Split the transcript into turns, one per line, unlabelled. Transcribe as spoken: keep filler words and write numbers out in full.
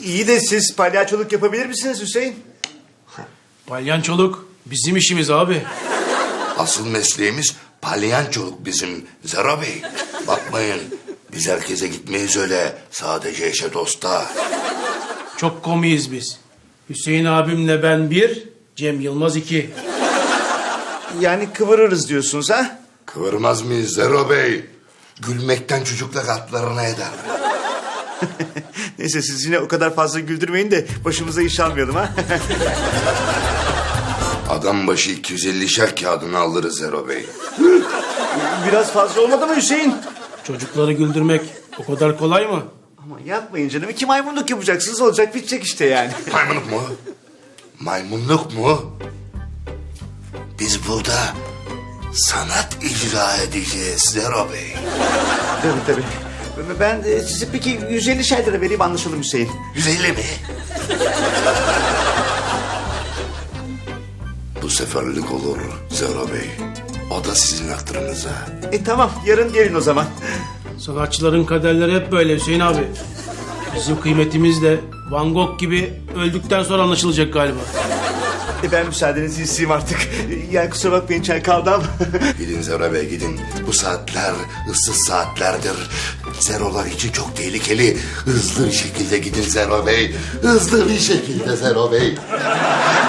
İyi de siz palyaçoluk yapabilir misiniz Hüseyin?
Palyançoluk bizim işimiz abi.
Asıl mesleğimiz palyançoluk bizim Zero Bey. Bakmayın biz herkese gitmeyiz öyle. Sadece eşe dosta.
Çok komiyiz biz. Hüseyin abimle ben bir, Cem Yılmaz iki.
Yani kıvırırız diyorsunuz ha?
Kıvırmaz mıyız Zero Bey? Gülmekten çocuklar atlarına eder.
Neyse siz yine o kadar fazla güldürmeyin de başımıza iş almayalım ha.
Adam başı iki yüz ellişer kağıdını alırız Zero Bey.
Biraz fazla olmadı mı Hüseyin?
Çocukları güldürmek o kadar kolay mı?
Ama yapmayın canım. İki maymunluk yapacaksınız, olacak bitecek işte yani.
Maymunluk mu? Maymunluk mu? Biz burada sanat icra edeceğiz Zero Bey.
Tabii tabii. Ben e, size peki yüz elli şer lira vereyim, anlaşalım Hüseyin.
yüz elli mi? Bu seferlik olur Zero Bey. O da sizin hatırınıza.
E tamam, yarın gelin o zaman.
Sanatçıların kaderleri hep böyle Hüseyin abi. Bizim kıymetimiz de Van Gogh gibi öldükten sonra anlaşılacak galiba.
E ben müsaadenizi isteyeyim artık. Yani kusura bakmayın, çay kaldı ama.
Gidin Zero Bey gidin. Bu saatler ıssız saatlerdir. Zerolar için çok tehlikeli. Hızlı bir şekilde gidin Zero Bey. Hızlı bir şekilde Zero Bey.